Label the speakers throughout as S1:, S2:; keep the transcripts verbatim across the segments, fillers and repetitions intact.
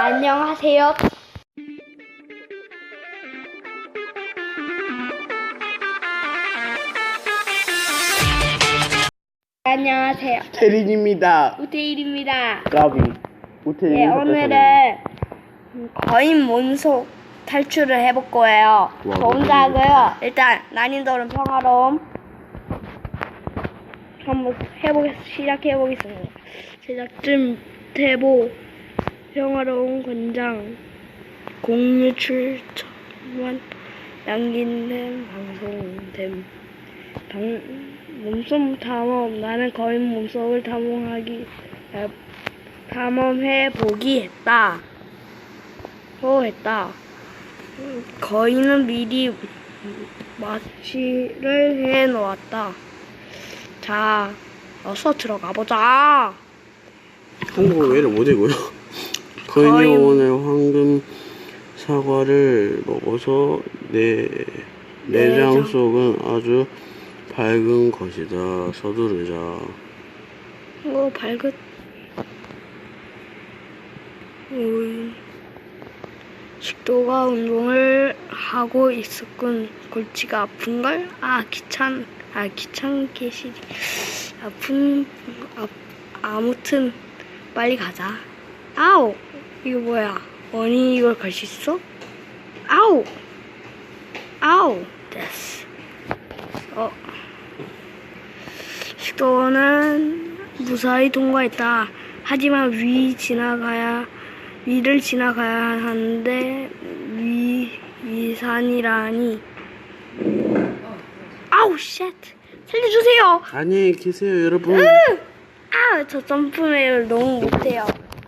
S1: 안녕하세요. 안녕하세요.
S2: 태린입니다.
S1: 우태일입니다.
S2: 까비. 우태린.
S1: 네, 오늘은 거인 몸속 탈출을 해볼 거예요.
S2: 와,
S1: 저 혼자 하고요. 일단 난이도는 평화로움. 한번 해보겠, 시작해보겠습니다. 제작진 태보 평화로운 권장 공유 출처만 남긴된 방송됨. 방, 몸속 탐험. 나는 거인 몸속을 탐험하기 에, 탐험해 보기 했다. 호 했다. 거인은 미리 마취를 해 놓았다. 자, 어서 들어가 보자.
S2: 한국어 왜 이래 못해고요? 거인이
S1: 거인.
S2: 오늘 황금 사과를 먹어서 내 내장
S1: 내장.
S2: 속은 아주 밝은 것이다. 서두르자.
S1: 오, 발긋. 오이. 식도가 운동을 하고 있었군. 골치가 아픈걸? 아, 귀찮, 아, 귀찮게 시리. 아픈, 아, 아무튼, 빨리 가자. 아우! 이거 뭐야? 언니 이걸 갈 수 있어? 아우! 아우! 됐어. 어. 식도는 무사히 통과했다. 하지만 위 지나가야, 위를 지나가야 하는데, 위, 위산이라니. 아우, 쉣! 살려주세요!
S2: 안녕히 계세요, 여러분.
S1: 아, 저 점프를 너무 못해요.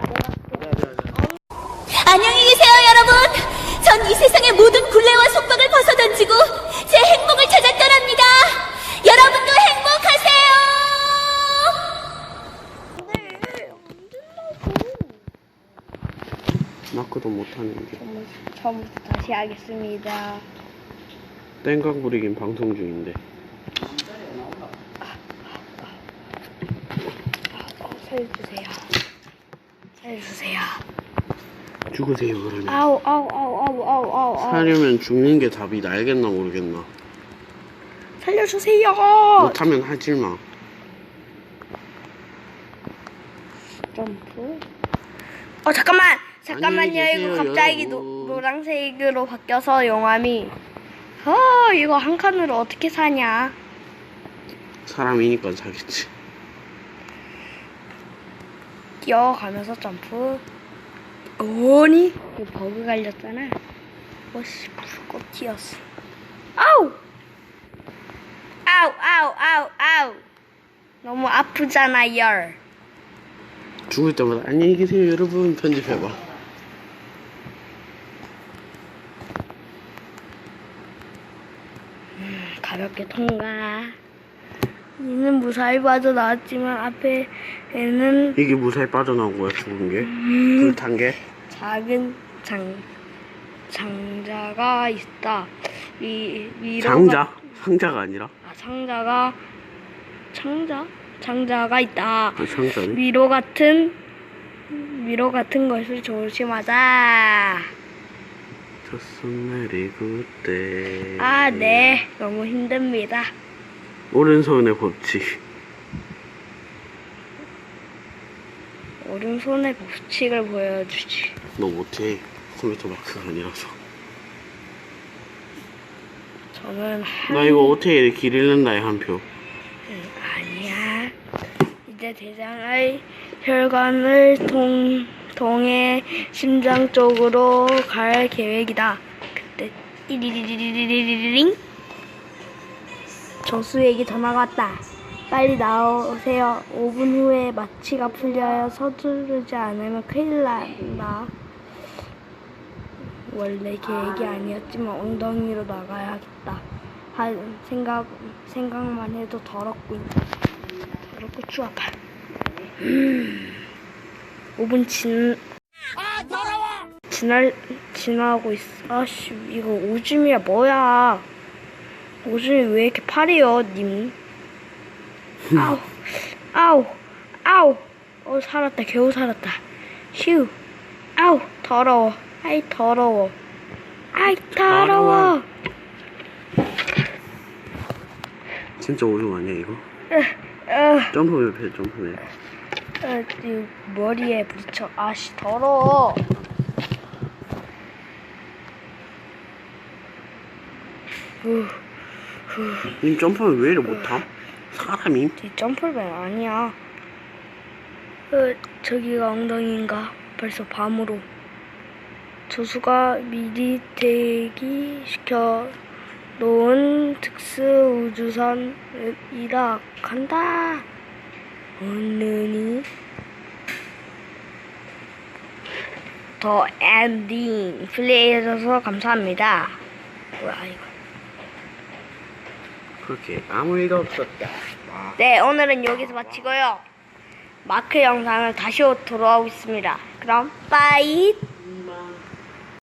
S3: 안녕히 계세요, 여러분. 전 이 세상의 모든 굴레와 속박을 벗어던지고 제 행복을 찾아 떠납니다. 여러분도 행복하세요.
S2: 마크도 못하는데.
S1: 처음부터 다시 하겠습니다.
S2: 땡깡 부리긴 방송 중인데.
S1: 어, 살려주세요. 살려주세요.
S2: 죽으세요, 그러면.
S1: 아우, 아우, 아우, 아우, 아우, 아우, 아우.
S2: 살려면 죽는 게 답이 알겠나 모르겠나.
S1: 살려주세요.
S2: 못하면 하지 마.
S1: 점프. 어, 잠깐만. 잠깐만요.
S2: 안녕히
S1: 이거
S2: 계세요,
S1: 갑자기
S2: 여러분.
S1: 노, 노란색으로 바뀌어서 용암이. 어, 이거 한 칸으로 어떻게 사냐?
S2: 사람이니까 사겠지.
S1: 뛰어가면서 점프. 오니? 이거 버그 갈렸잖아. 오씨, 불꽃 튀었어. 아우! 아우, 아우, 아우, 아우. 너무 아프잖아, 열.
S2: 죽을 때마다 안녕히 계세요, 여러분. 편집해봐.
S1: 가볍게 통과. 이는 무사히 빠져나왔지만 앞에는
S2: 이게 무사히 빠져나온 거야, 죽은 게?
S1: 음.
S2: 불탄 게?
S1: 작은 장, 장자가 있다. 위, 위로가-
S2: 장자? 상자가 아니라?
S1: 아, 상자가, 창자? 장자가 있다.
S2: 아, 상자네?
S1: 위로 같은, 위로 같은 것을 조심하자.
S2: 첫손 내리고 때.
S1: 아, 네. 너무 힘듭니다.
S2: 오른손의 법칙.
S1: 오른손의 법칙을 보여주지.
S2: 너 못해. 컴퓨터 마크가 아니라서.
S1: 저는 한,
S2: 나 이거 어떻게 길 잃는다에 한 표.
S1: 아니야. 이제 대장의 혈관을 통, 통해 심장 쪽으로 갈 계획이다. 그때 띠리리리리리리링 조수에게 전화가 왔다. 빨리 나오세요. 오 분 후에 마취가 풀려야 서두르지 않으면 큰일 난다. 원래 계획이 아니었지만 엉덩이로 나가야겠다. 한 생각 생각만 해도 더럽군. 더럽고 추 아파. 음. 오 분 진. 아 더러워. 지날 지나고 있어. 아씨 이거 오줌이야 뭐야? 오줌이 왜 이렇게 파래요, 님? 아우 아우 아우. 어 살았다 겨우 살았다. 휴. 아우 더러워. 아이 더러워. 아이 더러워.
S2: 진짜 오줌 아니야 이거?
S1: 어,
S2: 점프맵 해 점프맵.
S1: 어, 이 머리에 부딪혀. 아씨 더러워.
S2: 님 점프맵 왜 이래 못함? 사람임?
S1: 이 점프맨 아니야. 어, 저기가 엉덩이인가? 벌써 밤으로. 조수가 미리 대기시켜 놓은 특수 우주선이라 간다. 오늘이 더 엔딩 플레이해줘서 감사합니다. 뭐야 이거?
S2: 그렇게 아무 일도 없었다. 와.
S1: 네, 오늘은 여기서 마치고요. 마크 영상을 다시 돌아오겠습니다. 그럼 빠이.